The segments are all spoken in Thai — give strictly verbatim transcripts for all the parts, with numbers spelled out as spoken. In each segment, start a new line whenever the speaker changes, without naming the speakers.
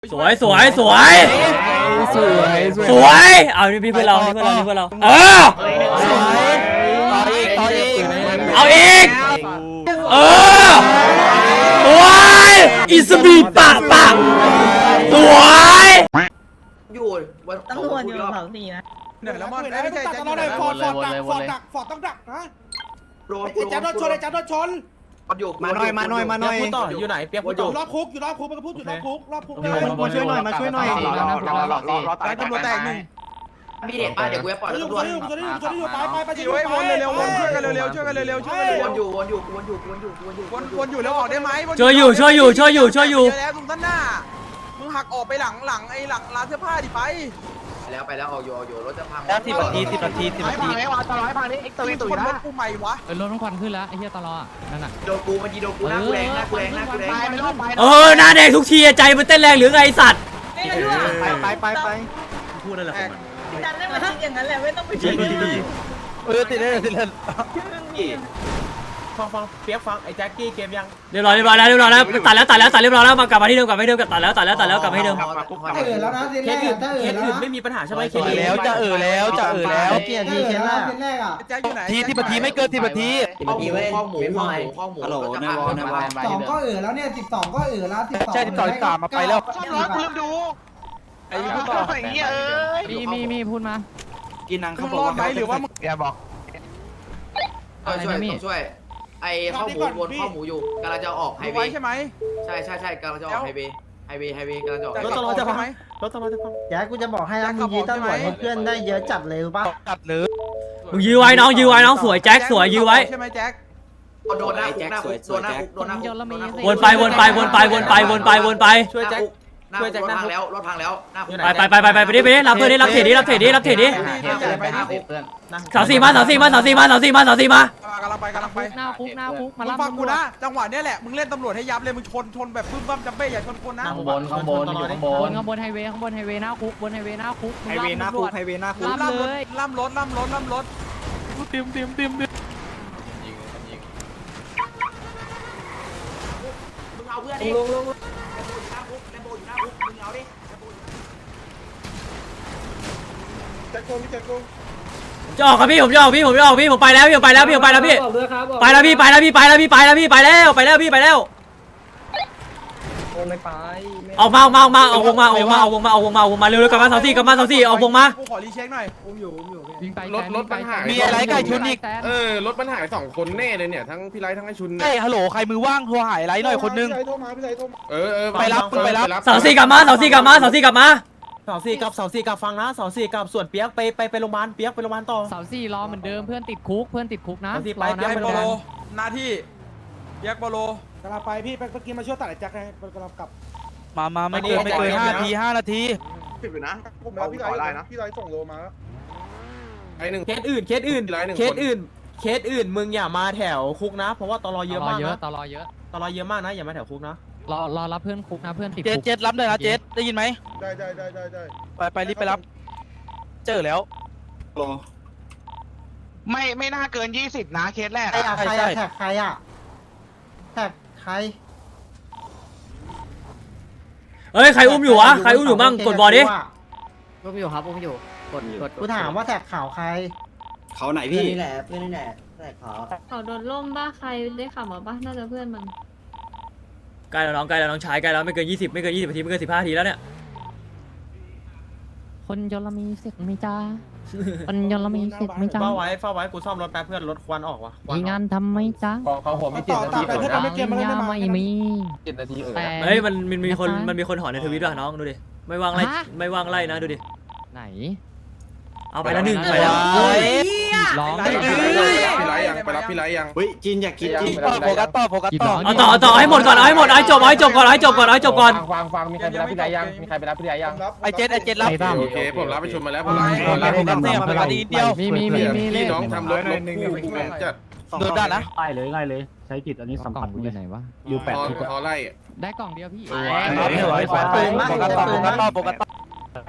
สวยสวยสวยสวยสวยเอานี่พี่เพื่อนเรานี่เพื่อนเรานี่เพื่อนเราเออต่ออีกต่ออีกเอาอีกเออสวยอิสบีปะปะสวย
อยู่วัน
ตำรวจอยู่เผาสีนะ
เหนื่อยแล้วมันไม่ใช่จะต้องได้ฟอร์ดฟอร์ดดักฟอร์ดดักฟอร์ดต้องดักนะ
โดน
ไอ้แจ๊ดโดนชนไอ้แจ๊ดโดนชน
อยู่มาหน่อยมาหน่อยมาหน่อยพูดต่ออยู่ไหนเปียกพูดต่อ
รอบคุกอยู่รอบคุกมันก็พูดอยู่รอบคุกรอบคุก
มาช่วยหน่อยมาช่วยหน่อยรอรอรอรอรอรอตายตำรวจแตกหนึ่ง
พี่เด็กป้าเดี๋ยวกูจะปล่อย
อยู่
ตำรวจ
อยู่อยู่อยู่อยู่ไปไปไป
จีไว้วนเร็วๆวนช่วยกันเร็วๆช่วยกันเร็วๆช่วยกัน
ว
เร็วน
อยู่วนอยู่วนอยู่วนอยู่วนอยู่วนอยู่
วนวนอยู่แล้วออกได้ไหม
ช่วยอยู่ช่วยอยู่ช่วยอยู่ช่วยอยู่
แล้วตรงด้านหน้ามึงหักออกไปหลังหลังไอ้หลังร้านเสื้อผ้าดิไป
แล้วไปแล้วออกอยู่ออกอยู่รถจะพัง
แล้วสิบนาทีสิบนาทีสิบนาที
ไอ้วาตลอดไอ้พังนี้เอ็กซ์ตัวนี้ตัวนะรถกูใหม่วะ
เออรถน้องควันขึ้นแล้วไอ้เหี้ยตลอดนั่นน่ะ
โดนกูมันยิงโดนกูหน้ากูแรงหน้ากูแรงหน้ากูแรง
ไปไม่รอดไป
เออหน้าแดงทุกทีใจมันเต้นแรงหรือไงสัตว์
ไปไปไปไป
พูดนั่นแหละดันได้มาทิ้งอย่างนั้นแหละไม่ต้องไปชี้
เออติดเลยติดเลย
ฟังฟังเปียกฟังไอ้แจ็คกี้เกมยัง
เรียบร้อยเรียบร้อยแล้วเรียบร้อยแล้วตัดแล้วตัดแล้วตัดเรียบร้อยแล้วมากลับมาที่เดิมกลับมาที่เดิมตัดแล้วตัดแล้วตัดแล้วกลับมาที่เดิม
เออแล้วนะ
เคสอื่นเคสอื่นไม่มีปัญหาใช่ไหมเคส
เออ
อื่น
แล้วจะเออแล้วจะเออแล้ว
เกียร์ทีเชนล่า
แจ็คอยู่ไหน
ทีสิบนาทีไม่เกินสิบนาที
ข้อหมูข้อหมูข้อหมูข้อหมูรถจะพังรถจะพัง
สองก็เออแล้วเนี่ยสิบสองก็เออแล้วสิบสอง
ใช่สิบสองสิบสามมาไปแล้ว
ช่างร้อยกูลืมดู
ไอ้พูดต่อ
อย่างเงี้ยเอ้ย
มีมีมีพูดมา
กินนังเขาบอกว่าไหมหรือว่ามึงอย่าบอก
เออช่วยต้องช่วยไอ้ข้อหมูวนข้อหมูอยู่กำลังจะออกไฮเว
ไว้
ย์
ใช่ไหม
ใช่ใช่ใช่กำลังจะออกไฮเวย์ไฮเวย์ไฮเวย์กำลังจะออก
รถตลอดจะพังไหม
รถตลอดจะฟัง
แกกูจะบอกให้นะมึงยืดตำรวจให้เพื่อนได้เยอะจัดเลยป่ะ
ตัดหรือ
มึงยื้อไว้น้องยื้อไว้น้องสวยแจ็คสวยยื้อไว้
ใช่ไหมแจ็ค
โดนหน้าคุกหน้าคุกโดนหน้าคุกโดนหน้าคุก
วนไปวนไปวนไปวนไปวนไปวนไป
ช่วยแจ็ค
หน้าคุกรถพังแล้วรถพังแล้วหน้าคุก
ไปไปไปไปไปไปดิไปดิรับเพื่อนดิรับเทรดดิรับเทรดดิรับเทรดดิ
ไปหน้าคุก
สาวสี่มาสาวสี่มาสาวสี่มาสาวสี่มาสาวสี่มาก
ำลังไปกำลังไป
หน้าคุกหน้าคุกมา
มึง
ล่ำ
ฟังกูนะจังหวะเนี้ยแหละมึงเล่นตำรวจให้ยับเลยมึงชนชนแบบบึ้มบั้มจัมเบ้อย่าชนคนนะ
ข้างบนข้างบนอยู่ข้างบบ น
นข้างบนไฮเวย์ข้างบนไฮเวย์หน้าคุกบนไฮเวย์หน้าคุก
ไฮเวย์หน้าคุกไฮเวย์หน้าคุกล่ำรถล่ำรถล่ำรถล่ำรถ
เตรียมเตรียมเตรียม
มึงเอาเพื่อนดิลงลงแลมโบอยู่หน้าคุกแลมโบอยู่หน้าคุกมึงเอาดิแลมโบอยู่หน้าคุก
จะออกครับพี่ผมจะออกพี่ผมจะออกพี่ผมไปแล้วพี่ผมไปแล้วพี่ผมไปแล้วพี่ไปแล้วพี่ไปแล้วพี่ไปแล้วพี่ไปแล้วพี่ไปแล้วไปแล้วพี่ไปแล้วออกมาออกมาออกมาออกวงมาออกมาออกวงมาออกวงมาออกวงมาเร็วๆกลับมาสาวสี่กลับมาสาวสี่ออกวงมา
กูขอรีเช็คหน่อย
วิ่งไป
รถรถปัญหา
มีอะไรไก่ชุนอีก
เออรถปัญหาสองคนแน่เลยเนี่ยทั้งพี่ไลท์ทั้งไอชุน
เฮ้ยฮัลโหลใครมือว่างโทรหายไรหน่อยคนนึง
เออเออ
ไปรับไปรับ
สาวสี่กลับมาสาวสี่กลับมาสาวสี่กลับมา
เสาสี่กับเสาสี่กับฟังนะเสาสี่กับส่วนเปียกไปไปไปโรงพยาบาลเปียกไปโรงพยาบาลต่อ
เสาสี่รอเหมือนเดิมเพื่อนติดคุกเพื่อนติดคุกนะ
เสาสี่ไป
รอนะ
ยัก
ไป
ษ์
โร
โป
งพยา
โล
บาล
หน้าที่ยักษ์โปโลกำลังไปพี่ไปเมื่อกี้มาช่วยตัดไอ้แจ็คไงกำลังกลับ
มามาไม่เกินไม่เกินห้านาทีห้านาที
ผิดอยู่นะผมพี่ไลท์นะพี่ไลท์ส่งโลมาแล้วไอหนึ่ง
เคสอื่นเคสอื่น
พี่ไลท์หนึ่ง
เคสอื่นเคสอื่นมึงอย่ามาแถวคุกนะ เพราะว่าตลอเยอะมาก
เยอะ
นะ
ตลอเยอะ
ตลอเยอะมากนะอย่ามาแถวคุกนะ
รอรอรับเพื่อนคุกนะเพื่อนติด
เจ็ด
คุก
เจ็ดรับเลยนะเจ็ดได้ยินไหม
ได้ได้ได้ได้ได้
ไปไปรีบไปรับ เจอแล้ว
ไม่ไม่น่าเกินยี่สิบนะเคสแรก
ใช่
อะ
ใช่ใช่
แท็กใครอะแท็กใคร
เฮ้ยใครอุ้มอยู่วะใครอุ้มอยู่มั่งกดบอลดิ
อุ้มอยู่ครับอุ้มอยู่กดกด
กูถามว่าแท็กข่าวใคร
เขาไหนพี่
นี่แหละเพื่อนนี่แหละแท็กข่าว
เขาโดนล่มบ้าใครได้ขับมาบ้าน่าจะเพื่อนมัน
ใกล้แล้วน้องใกล้แล้วน้องชายใกล้แล้วไม่เกินยี่สิบไม่เกินยี่สิบนาทีไม่เกินสิบห้านาทีแล้วเนี่ย
คนยนต์มีเสกไม่จ้าคนยนต์มีเสกไม่จ้า
เฝ้าไว้เฝ้าไว้กูซ่อมรถแป๊บเพื่อนรถควันออกว่ะ
มีงานทำไหมจ้า
เขาหัวไม่เจ็ดนาที
ไปเพื่อนไม่เกมมาเล่น
ยา
ได้มา
ไม่มี
เจ็ดนาทีเออ
แต่
เฮ้ยมันมันมีคนมันมีคนหอนในทวิตด้วยน้องดูดิไม่ว่างไล่ไม่ว่างไล่นะดูดิ
ไหน
เอาไปแล้วหนึ่งไปแล้ว
ร้อง
พี่ไลท์ยังไปรับพี่ไลท์ยัง
เฮ้ยจินอยากกินจิน
โฟกัสต่อโฟกัสต่อ
เอาต่อเอาต่อให้หมดก่อนเอาให้หมดเอาให้จบเอาให้จบก่อนเอาให้จบก่อนเอาให้จบก่อน
ฟังฟังมีใครไปรับพี่ไลท์ยังมีใครไปรับพี่ไลท์ยัง
ไอเจ็ดไอเจ็ดรับ
โอเคผมรับไปชมมาแล้วผมรับ
รับโฟกัสเนี่ยโฟกัสดีเดียว
มีมีมีมีเล
พี่
ข
น้องทำรถรถคู่กูจะ
โดนได้นะ
ง่ายเลยง่ายเลยใช้กิจอันนี้
กล่องกูอยู่ไหนวะ
อยู่แปด
พอ
ทุก
พอไล่
ได้กล่องเดียวพี่
โฟกัสต่อโฟกัสต่อโฟกัสต่อ
ไอ้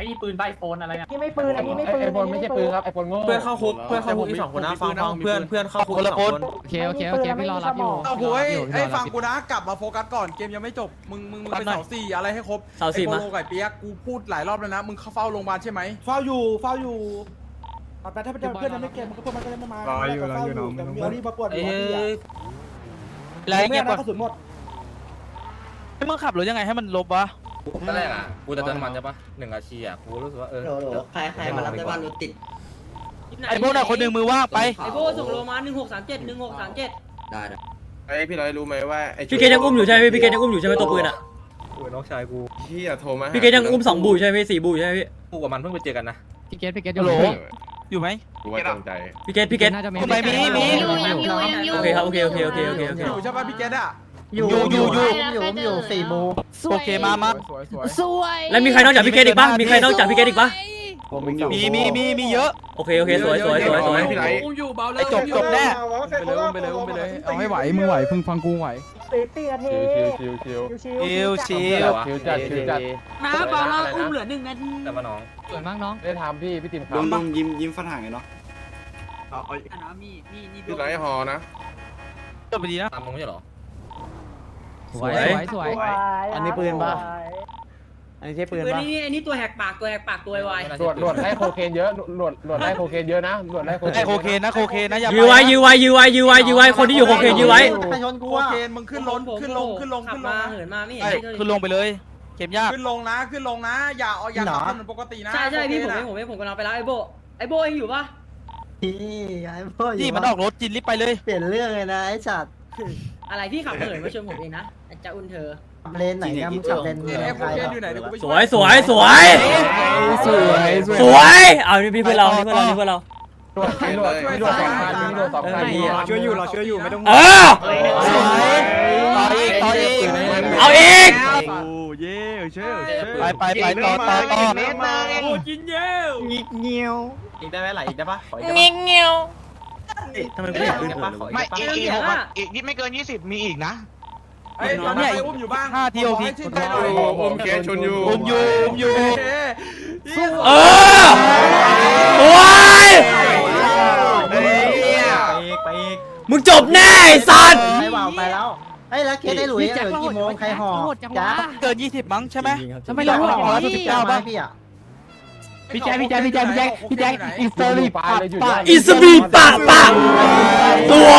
อ้นี่ปืนใบโฟนอะไรอ่ะ
นี่ไม่ปืนอันนี้ไม่ปืน
ไอโฟนไม่ใช่ปืนครับไอโฟนโง่
เพื่อนเข้าคุกเพื่อนเข้าคุกอีกสองคนนะฟังฟังเพื่อนเพื่อนเข้าคุกอีกสองคน
โอเคโอเคโอเคพี่รอรับอยู่
เอาโว้ยไอ้ฟังกูนะกลับมาโฟกัสก่อนเกมยังไม่จบมึงมึงมึงเป็นเสาสี่อะไรให้ครบ
เสาสี่
ไอ้
มา
โปโลไก่เปียกกูพูดหลายรอบแล้วนะมึงเข้าเฝ้าโรงพยาบาลใช่ไหมเฝ้าอยู่เฝ้าอยู่แต่ถ้าเพื่อนยังไม่เกมมันก็เพื่อนมันก็ยังไม่มารออยู่รออยู่น้องแต่มีรีบมาปวดหัวพี่อะ
อะไรเงี้ย
กระสุนหมด
ให้มึงขับรถยังไงให้มันลบวะ
ตอนแรกอ่ะกูจะเติมน้ำมันใช่ปะหนึ่งอาชีอ่ะกูรู้สึกว่าเออ
ใครใครมารับได้บ้านรถติด
ไอ้พวกน่ะคนหนึ่งมือว่างไป
ไอโบส่งโลมาหนึ่งหกสามเจ็ดหนึ่งหกสามเจ็ด
ได้
ไอพี่ร้อยรู้ไหมว่าไอ
พี่เกดยังอุ้มอยู่ใช่ไหมพี่พี่เกดยังอุ้มอยู่ใช่ไหมตัวปืนอ่ะ
น้องชายกู
พี่อะโทรมา
พี่เกดยังอุ้มสองบูใช่ไหมพี่สี่บูใช่ไหมพี่
กูกับมันเพิ่งไปเจอกันนะ
พี่เกตพี่เกต
ฮัลโหลอยู่ไหม
กูว่าจงใจ
พี่เกดพี่เกด
น่าจะมี
ทำไมมีมี
ยังอยู่ยังอยู่ยังอยู่
โอเคครับโอเคโอเคโอเคโอเคโอเค
อยู่ใช่ป่ะพี่เกดอะ
อยู่
อยู่อยู่อยู่
อยู่อยู่สี่โมง
โอเคมามา
สวยสวย
สวย
แล้วมีใครนอกจากพี่เกดอีกปะมีใครนอกจากพี่เกดอีกปะ
มีมีมีมีเยอะ
โอเคโอเคสวยสวยสวยสวย
พี่ไร
อุ้มอยู่เบาเล
ไอ้
ย
จบจบแน่
ไปเลยอุ้มไปเลยอุ้มไปเลยเอาให้ไหวมึงไหวพึ่งฟังกูไหว
ตีตีนาที
ชิวชิวชิว
ชิวชิว
ชิวชิว
ชิวจัดชิวจัด
น้าเบาแล้วอุ้มเหลือหนึ่งนาที
แต่ว่าน้อง
สวยมากน้อง
ได้ทำพี่พี่ติ๋ม
ลุงลุงยิ้มยิ้มฟันห่างไงเนาะ
น้ามีมีนี่
พี่ไรหอนะ
จบไปดีนะ
ตามมึงไม่ใช่หรอ
สวยสวยสวย
อันนี้ปืนปะอันนี้ใช่ปืน
ปืน
ปะ
นี่อันนี้ตัวแหกปากตัวแหกปากตัวไว
ตรวจตรวจได้โคเคนเยอะตรวจตรวจได้โคเคนเยอะนะตรวจได้โคเคน
ไอ้โคเคนนะโคเคนนะอย่า
ยื้อไว้ยื้อไว้ยื้อไว้ยื้อไว้ยื้อไว้คนที่อยู่โคเคนยื้อไว้
ใครชนกู
โค
อ่ะ
เคนมึงขึ้นลงขึ้นลงขึ้นลง
ขับ
ขึ้นล
มาง เหินมาไม่เห็น
ไอ้
เลย
ขึ้นลงไปเลยเข็มยาก
ขึ้นลงนะขึ้นลงนะอย่าเอาอย่าขับถนนปกตินะ
ใช่ใช่พี่ผมเองผมเองผมกำลังไปแล้วไอโบไอโบเองอยู่ปะ
พี่ไอ้พ่ออยู่
นี่มันออกรถจินรีบไปเลย
เปลี่ยนเรื่องเลยนะไอ้จัด
อะไรพี่ขับเหินมาชนผมเองนะจะอุ่นเธอ
เลนไหนนะมึงขับเลน
ไอ้โคเคนอยู่ไหนเดี๋ยวกูไป
สวยสวยสวยสวยสวยเอานี่พี่เพื่อนเรานี่เพื่อนเรานี่เพื่อนเรา
ตรวจตรวจตรวจสองพันตรวจสองพันช่วยอยู่เราช่วยอยู่ไม่ต้อง
เออ
สวยต่ออีกต่ออีก
เอาอีก
ไปไปไปต่อต่อต่อ
โอ้จินเย้ว
อีกได้ไหมไหลอีกได้ปะขออีกได้
เงี้
ปะ
ยเงี้ย
ทำไมไม่อยากขึ้นปะขออีก
ไม่
ได้ปะ
อีกอีก
อีกนิดไม่เกินยี่สิบมีอีกนะ
ไอ้ตอนนี้อุ้มอยู่บ้าง
ห้าทีโอที
ชื่นใจหน่อย
ผมเคชนอยู่
อุ้มอยู่อุ้มอยู่
เออโอ้ย
ไปอีกไปอีก
มึงจบแน่ไอ้สัตว์
ให้วาวไปแล้วเฮ้ยแล้วเคสได้หลุยเหลือกี่โมงใครห่อจ้า
เกินยี่สิบมั้งใช่ไหม
ทำไมเรา
ห่อแล้ว
พี่
สิบ
เก้า
เก้า
บ้า
ป่ะ
พี่อ่ะ
พี่แจ๊คพี่แจ๊คพี่แจ๊คพี่แจ๊คพี่แจ๊คอิสเตอรี่ปะปะ
อิสบีปะปะสวย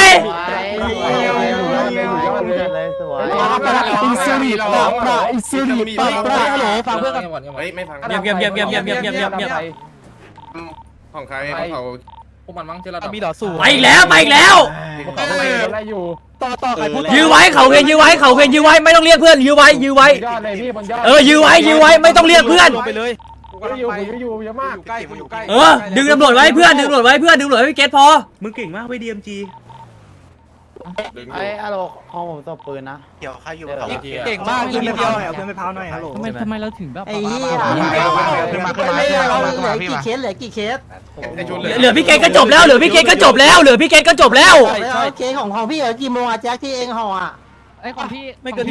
เลยสวย
อิสรีปะปะอิสรีปะปะ
ฮัลโหลฟังเพื่อนกัน
เฮ้ยไม่ฟัง
เงียบเงียบเงียบเงียบเงียบเงียบเงียบเงียบเงียบ
ของใครของเขา
พวกมันมั้งเจอระดับ
มีหล่อสู้
ไปอีกแล้วไปอีกแล้ว
อะไรอยู่
ต่อต่อใครพูด
ยื้อไว้เขาเคนยื้อไว้เขาเคนยื้อไว้ไม่ต้องเรียกเพื่อนยื้อไว้ยื้อไว้
ยอดเลยพี่บนยอด
เออยื้อไว้ยื้อไว้ไม่ต้องเรียกเพื่อน
ลงไปเลย
กูกำลังไปอยู่อยู่เยอะมากอยู่ใกล้กูอยู่ใกล้
เออดึงตำรวจไว้เพื่อนดึงตำรวจไว้เพื่อนดึงตำรวจไว้พี่เกตพอ
มึงเก่งมากไปดีเอ็มจี
ไอ้อะโลของผมตบปืนนะ
เก่งมากยิงเดียว
เอาเพื่อนไปพาวหน่อยฮัลโหล
ทำไมทำไมเราถึงแบบ
ไอ้เหี้ย
ขึ้นมาขึ้นมา
เหลื
ขึ้นมาขึ้นมา
อกี่เคสเหลือกี่เคส
ไอชุน
เหลือพี่เกตก็จบแล้วเหลือพี่เกตก็จบแล้วเหลือพี่เกตก็จบแล้ว
แล้วเคสของของพี่เหลือกี่โมงอะแจ็คที่เองห่ออะ
ไอ้ของพี่เออ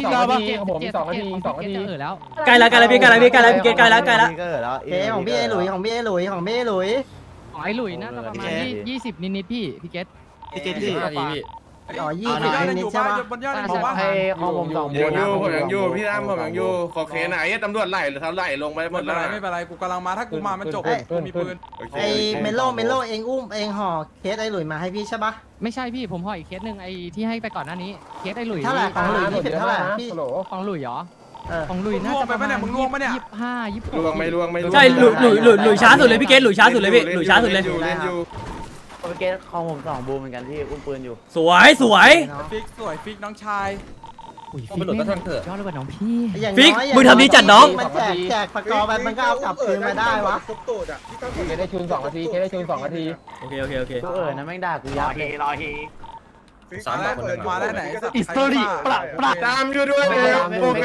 แล้ว
ใกล้แล้วใกล้แล้วพี่ใกล้แล้วพี่ใกล้แล้วพี่เกตใกล้แล้วใกล้แล้ว
เคสของพี่ไอ้หลุยของพี่ไอ้หลุยของพี่ไอ้หลุย
อ๋อไอ้หลุยน่าจะประมาณยี่สิบนิดๆพี่พี่เกต
พี่เกต
ที่
ที่
พี่
อ๋อยี่
บ
สิ
น
บ
ยอด
นิ
อ
ด
ยู่
ใช่
บ้าน
ปะ
บนยอดอยู่บ้าน
ของผมสอง
ผมอยู่ผมยังอยู่พี่ตั้มผมยังอยู่ขอเคไหนตำรวจไล่หรือเขาไล่ลงไปหม
ไม่
ด
เป็
แล้
น
ว
ไรไม่เป็นไรกูกำลังมาถ้ากูมามันจบกูมีปืน
ไอ้เมโลเมโลเองอุ้มเองห่อเคสไอ้หลุยมาให้พี่ใช่ปะ
ไม่ใช่พี่ผมห่ออีกเคสหนึ่งไอ้ที่ให้ไปก่อนหน้านี้เคสไอ้หลุย
เท่าไหร่ของหลุยนี่เป็นเท่าไหร่พี่
ของหลุยเหรอ
เออ
ของหลุยน่าจะประมาณ
มึงล่วงปะเนี่ย
ยี่สิบห้ายี่สิบห
ลวง
ก
ไม่ลวงไม่
ใช่หลุยหลุยหลุยหลุยช้าสุดเลยพี่เกตหลุยช้าสุดเลยพี่หลุยช้าสุดเลย
เล่นอยู่
เคสของผมสองบูเหมือนกันที่อุ้มปืนอยู่
สวยสวย
ฟิกสวยฟิกน้องชาย
อุ้ยฟิกเนี่ยยอดเลยว่ะน้องพี่
ฟิกมึงทำดีจัดน้อง
มันแจกแจกปากกอไปมันก็เอากลับคืนมาได้วะ
ครบตูดอ่ะพี่ตั้ม
เคได้ชูนสองนาทีเคได้ชูนสองนาที
โอเคโอเคโอเค
กูเออนะแม่งด่ากูยับเลย
สามแบบคนหนึ่ง
มาได้ไหน
อิสตอรี่ปรับปรับ
ตามอยู่ด้วยเดี๋ยวโอเค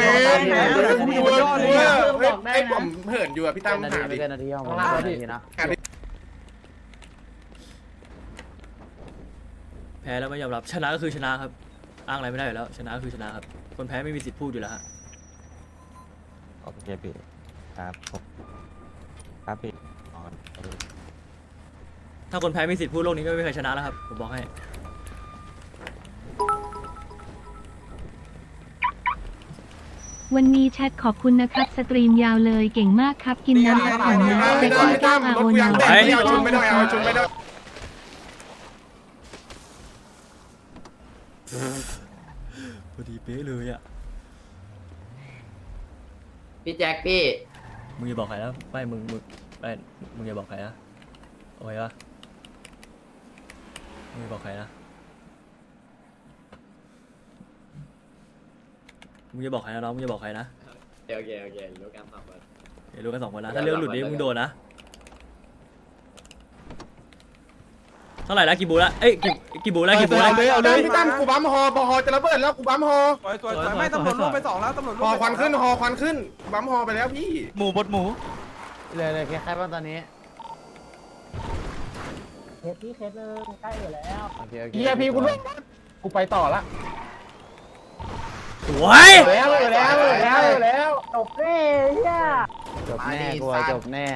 ไอ้ผมเหินอยู่อ่ะพี่ตั้ม
นา
หา
ที
ดิ
ไม่เกินนาทีของผมนาทีนะ
แพ้แล้วไม่ยอมรับชนะก็คือชนะครับอ้างอะไรไม่ได้อยู่แล้วชนะก็คือชนะครับคนแพ้ไม่มีสิทธิ์พูดอยู่แล้วฮะ
โอเคพี่
ครับครับพี่
ถ้าคนแพ้มีสิทธิ์พูดโลกนี้ก็ไม่มีใครชนะแล้วครับผมบอกให้
วันนี้แชทขอบคุณนะครับสตรีมยาวเลยเก่งมากครับกินน้ำพักผ่อนนะเซ็กซี่ก้าวอาโอนา
ไม่เอาชุนไม่ได้เอาชุนไม่ได้
พอดีเป๊ะเลยอ่ะ
พี่แจ็คพี่
มึงอย่าบอกใครนะไม่มึงมึงไม่มึงอย่าบอกใครนะโอเคปะมึงอย่าบอกใครนะมึงอย่าบอกใครนะน้องมึงอย่าบอกใครนะ
โอเคโอเครู้การตอบมัน
เดี๋ยวรู้กันสองคนนะถ้าเรื่องหลุดนี้มึงโดนนะเท่าไหร่ละกี่บูละเอ้ยกี่กี่บูละกี่บูละ
เลยเอาเลยพี่ตั้มกูบัมฮอพอฮอจะระเบิดแล้วกูบัมฮอ
สวยสวยสวยไม่ตำรวจลงไปสองแล้วตำรวจลง
ฮอควันขึ้นฮอควันขึ้นบัมฮอไปแล้วพี่
หมูบดหมู
เลยเลยแค่บ้างตอนนี้
เคสที่เคสเลยใกล้อยู่แล้ว
โอเคโอเค
เฮียพี่กูรู้กูไปต่อละ
สวย
แล้วแล้วแล้วแล้ว
จบเลยเนี่ย
จบแน่กูจบแน่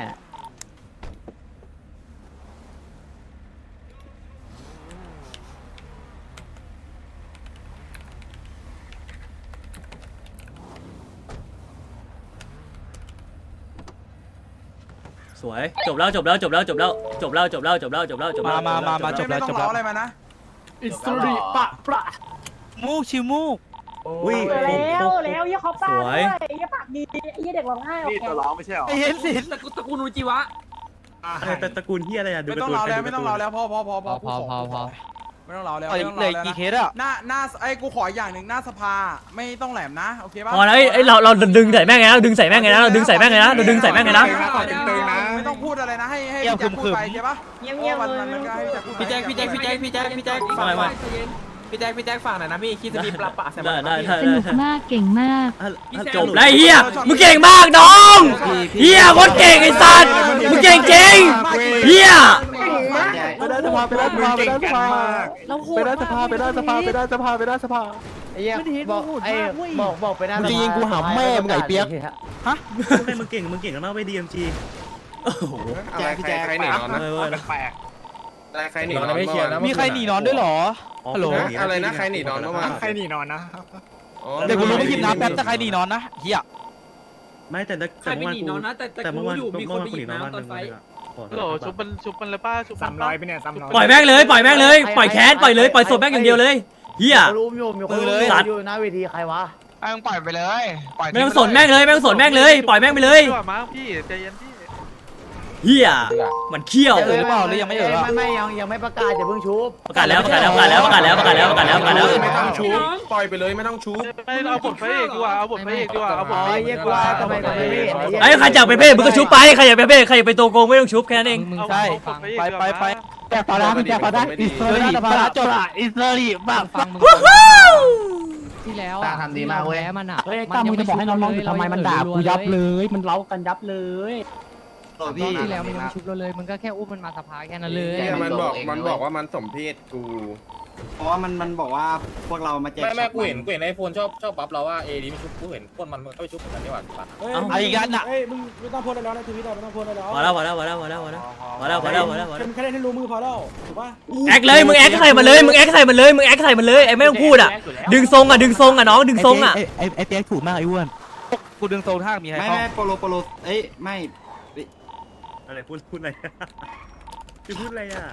สวยจบแล้วจบแล้วจบแล้วจบแล้วจบแล้วจบแล้วจบแล้วจบแล้วจบแล้ว
มามามาจบแล้วจบแล้วอะไรมานะ
อิสริปะปะมูกชิมูก
อุ้ย
แล้วแล้วยี่เขาป้าด้วยยี่ปากดียี่เด็กร้องไห้โอเค
ไอเห็นสิ
ตระกูลตระกูลนูจิวะ
แต่ตระกูลที่อะไรอ่ะดู
ไม่ต้องรอแล้วไม่ต้องรอแล้วพอพอพอพอ
พอพอพอ
ไม่ต้องรอแล้ว
เห
ไม่ต้องร
ลื
อ
อ
แล้ว
กี่
นะ
เคสอ่ะ
หน้าหน้าไอ้กูขออย่างหนึ่งหน้าสภาไม่ต้องแหลมนะโอเคป่ะ
พอแล้วไอ้เราเราดึงใส่แม่งไงนะเราดึงใส่แม่งไงนะเราดึงใส่แม่งไงนะเราดึงใส่แม่งไงนะ
ไม่ต้องพูดอะไรนะให้ให้พี่แจ็คพูดไปใช่ป่ะ
เงียบเงียบ
มัน
เลย
มันก็ให้พี่แจ็คพูด
พี่แจ็คพี่แจ็คพี่แจ็คพี่แจ็คพี่แจ็ค
ไม่ไม่
พี่แจ็คพี่แจ็คฝากหน่อยนะพี่คิดจะมีปลาปะใส่
ได้
มัน
ได้ได้
สนุกมากเก่งมาก
จบแล้วเฮียมึงเก่งมากน้องเฮียโคตรเก่งไอ้สัตว์มึงเก่งจริงเฮีย
ไปได้สภาไปได้สภาไปได้สภาไปได้สภาไปได้สภาไปได้สภาไปได้สภา
ไอ้เหี้ยบอกไอ้บอกบอกไปหน้า
มึงจะยิงกูหาแม่มึงไอ้เปี๊ยก
ฮะมึงเก่งมึงเก่งกันมากไปดีเอ็มจี
โอ้โห
อะไรใครใครหนีนอนนะแปลกอะไรใครหนีนอน
ไม่เคลียร์นะ
มีใครหนีนอนด้วยเหรอฮัลโหล
อะไรนะใครหนีนอนเมื่อวาน
ใครหนีนอนนะ
เดี๋ยวกูรู้ไม่หยิบน้ำแป๊บแต่ใครหนีนอนนะเฮีย
ไม่แต่แต่เมื่อวานกูแต่เมื่อวานเมื่อวานกูหนีนอนบ้านหนึ่งเลยอะ
โหลชุบมันชุบมันเลยป้าชุบ
สามร้อยไปเนี่ยสามร้อย
ปล่อยแม่งเลยปล่อยแม่งเลยปล่อยแค้นปล่อยเลยปล่อยศพแม่งอย่างเดียวเลยเฮีย
รู้อยู่มีคนอยู่หน้าเวทีใครวะ
ไอ้มึงปล่อยไปเลยปล่อย
ไม่ต้องสนแม่งเลยไม่ต้องสนแม่งเลยปล่อยแม่งไปเลย
มาพี่ใจเย็นพี่
เฮียมันเขี้ยว
เออหรือเปล่าหรือยังไม่เออ
ไม่ไม่ยังยังไม่ประกาศอย่าเพิ่งชุบ
ประกาศแล้วประกาศแล้วประกาศแล้วประกาศแล้วประกาศแล้วประกาศแล้วประกาศแล้ว
ไม่ต้องชูปล่อยไปเลยไม่ต้องชู
ไม่เอาบทพระเอกดีกว่าเอาบทพระเอกดีกว่าเอาบท
อ๋อ
พระเอก
เยี่ยกว่าทำไมทำไมไม่เห็น
ไอ้ใครอยากไปเพ่มึงก็ชุบไปใครอยากไปเพ่ใครอยากไปตัวโกงไม่ต้องชุบแค่นั้นเอง
มึงใช่ไปไปไปแจกปลาได้แจกปลาได้อิสริปลาจบอิสริบ้าฟังมึง
ที่แล้ว
ตาทำดีมากเว้ย
มันอ่ะ
เฮ้ยตามมึงจะบอกให้น้องๆอยู่ทำไมมันด่ากูยับเลยมันเล้ากันยับเลย
พี่
ที่แล้วมันยังไม่ชุบเราเลยมันก็แค่อุ้มมันมาสภาแค่นั้นเลย
มันบอกมันบอกว่ามันสมเพศกู
เพราะว่ามันมันบอกว่าพวกเรามาแจก
ไม่ไม่กูเห็นกูเห็นไอโฟนชอบชอบบัฟเราว่าเอดีไม่ชุบกูเห็นคนมันก็ไปชุบเหมือนกันนี่หว่าปัด
เฮ้ยมึงไม่ต้องพูดอะไรแล้วในทวิตไม่ต้องพูดอะไรแล้ว
พอแล้วพอแล้วพอแล้วพอแล้วพอแล้วพอแล้วพอแล้วพอแล้วพอแล้ว
แค่เล่นให้รู้มือพอแล้วถูกป่ะ
แอคเลยมึงแอคใส่มันเลยมึงแอคใส่มันเลยมึงแอคใส่มันเลยไอ้ไม่ต้องพูดอ่ะดึงทรงอ่ะดึงทรงอ่ะน้องดึงทรงอ่ะ
ไอ้ไอ้เปียกถูกมากไอ้อ้วนกูดึงโซนท่ามีใคร
ไม่
เข้า
ไม่โปโลโปโลเอ้ยไม่
อะไรพูดพูดอะไรคือพูดอะไรอ่ะ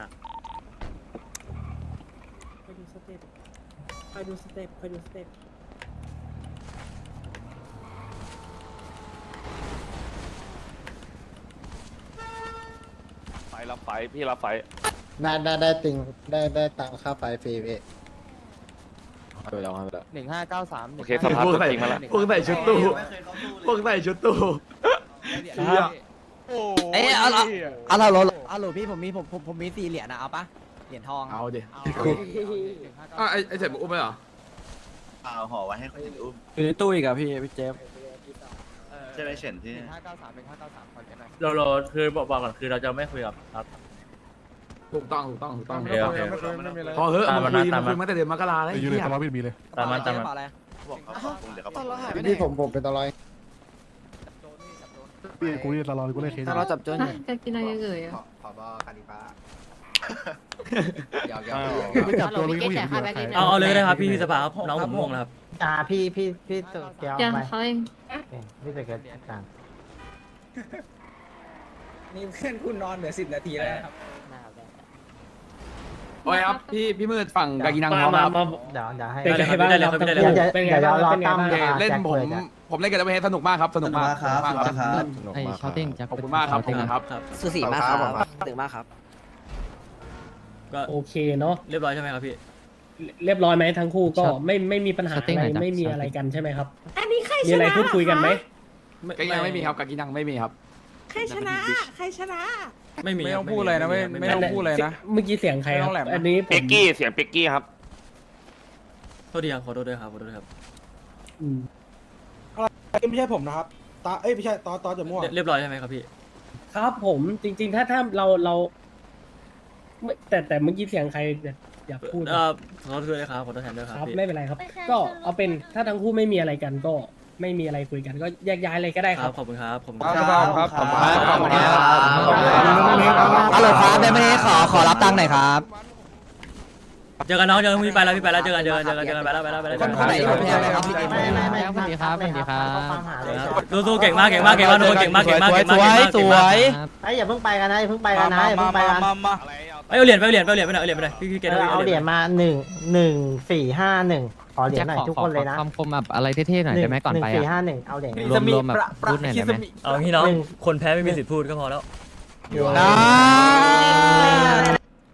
ไปดูสเต็ปไปดูสเต็ปไปดูสเต็ป
ไฟรับไฟพี่รับไฟ
ได้ได้ได้ติงได้ได้ตังค่าไฟฟรีพี่
หนึ่งห้าเก้าสามโอเค
สภาพตัวจริงมาแล้ว
พวกใส่ชุดตู้พวกใส่ชุดตู้
เอ้ยเอาละ
อ่ะเราเราอ่ะหลพี่ผมมีผมผมผมมีสี่เหรียญนะเอาปะเหรียญทองเอาดิ
อ่ะไอไอเสร็จมึงอุ้มไปเหรอ
เอาห่อไว้ให้คนอื่นอุ้ม
อยู่ในตู้อีกอะพี่พี่เจฟ
ใช่ไหมเฉินที่
หนึ่งห้าเก้าสามหนึ่งห้าเก้าสามคอยกันหน่อย
เราเราคือบอกบอกก่อนคือเราจะไม่คุยกับครับ
ถูกต้องถูกต้องถูกต้อง
โอเคโอเค
พอเฮ้ย
ตาม
มึ
มาง
คุย
ตาม
มึง
มา
คุยมาแต่เดือนมกราเลย
อยู่เลยตลอดพี่มีเลย
ตามมาตามมา
พี่ผมผมเป็นตะลอย
พี่กูนี่ตลอดกูเล่นเคส
ถ้าเราจับโจน
จะกินอะไรเอ่ย
ขอบการดีฟ้า
อยากอยาก
ไม่จับตัวพี่กูเห็นอยู่ใคร
เอาเอาเลยก็ได้ครับพี่สภาครับน้องผมง่วงแล้วครับ
อ่าพี่พี่พี่เกียว
ยัง
ไป
เขาเอง
พี่เกียวกลาง
นี่เพื่อนคุณนอนเหลือสิบนาทีแล้วครับ
โอ้ยครับพี่พี่มืดฝั่งกากินังพร้อมครับ
เดี๋ยวเดี๋ยวให้
ได้เลยครับได้เลยครับได้เลย
เดี๋ยว
ครับ
เดี๋ยวรอตั้ม
เล่นผมผมเล่นกับเวทสนุกมากครับสนุกมากครับครับ
ไอ้ชาวเต้งจะ
ขอบคุณมากครับขอบคุณครับ
ครับ
สุสีมากครับตึงมากครับ
ก็
โอเคเนาะ
เรียบร้อยใช่ไหมครับพี่
เรียบร้อยไหมทั้งคู่ก็ไม่ไม่มีปัญหาอะไรไม่มีอะไรกันใช่ไหมครับอันนี้ใครชนะมีอะไรพูดคุยกันไหม
กากินังไม่มีครับกากินังไม่มีครับ
ใครชนะใครชนะ
ไม่มี
ไม่ต้องพูดเลยนะไม่ไม่ต้องพูดเลยนะ
เมื่อกี้เสียงใครครับ
ไม่ต้องแหลมนะ
อันนี้ผม
เป็กกี้เสียงเป็กกี้ครับ
โทษทีครับขอโทษด้วยครับขอโทษด้วยครับ
อืม
ไม่ใช่ผมนะครับตาเอ้ยไม่ใช่ตอตอจะม่วง
เรียเรียบร้อยใช่ไหมครับพี่
ครับผมจริง ๆ ถ้าถ้าเราเราไม่แต่แต่เมื่อกี้เสียงใครอยากพูด
เอ่อขอโทษด้วยครับขอโทษแทนด้วยค
ค
รั
รั
บบ พี่
ไม่เป็นไรครับ ก็เอาเป็นถ้าทั้งคู่ไม่มีอะไรกันก็ไม่มีอะไรคุยกัน ก็แยกย้ายเลยก็ได้
ค
ค
รั
รั
บบ ขอบคุณครับขอบคุณ
ค
ค
รั
รั
บบ ครับขอบคุณครับขอบคุณครับ
ฮัลโหลครับได้ไหมขอขอรับตังค์หน่อยครับ
เจอกันน้องเจอกันพี่ไปแล้วพี่ไปแล้วเจอกันเจอกันเจอกันเจอกันไปแล้วไปแล้วไปแล้ว
คนคนไหนที่ผมแทนเลยครับไม่ไม่ไม่
สวัสดีครับสวัสดีครับ
สู้ๆเก่งมากเก่งมากเก่งมากทุกคนเก่งมากเก่งมากเก่งมากเก่งมากสวย
ไอ้อย่าเพิ่งไปกันนะอย่าเพิ่งไปกันนะอย่าเพิ่งไปกัน
เอ้ยเอาเหรียญไปเอาเหรียญไปเอาเหรียญไปหน่อยเอาเหรียญไปหน่อยพี่พี่เกด
เอาเหรียญมาหนึ่งหนึ่งสี่ห้าหนึ่งขอเหรียญหน่อยทุกคนเลยนะ
คำคมแบบอะไรเท่ๆหน่อยได้ไหมก่อนไป
หนึ่งสี่
อ่ะ
ห้าหนึ่งเอาเหรียญ
รวมรวมแบบพูดหน่อยได้ไหม
เอางี้น้องคนแพ้ไม่มีสิทธิ์พูดก็พอแล้ว
นะ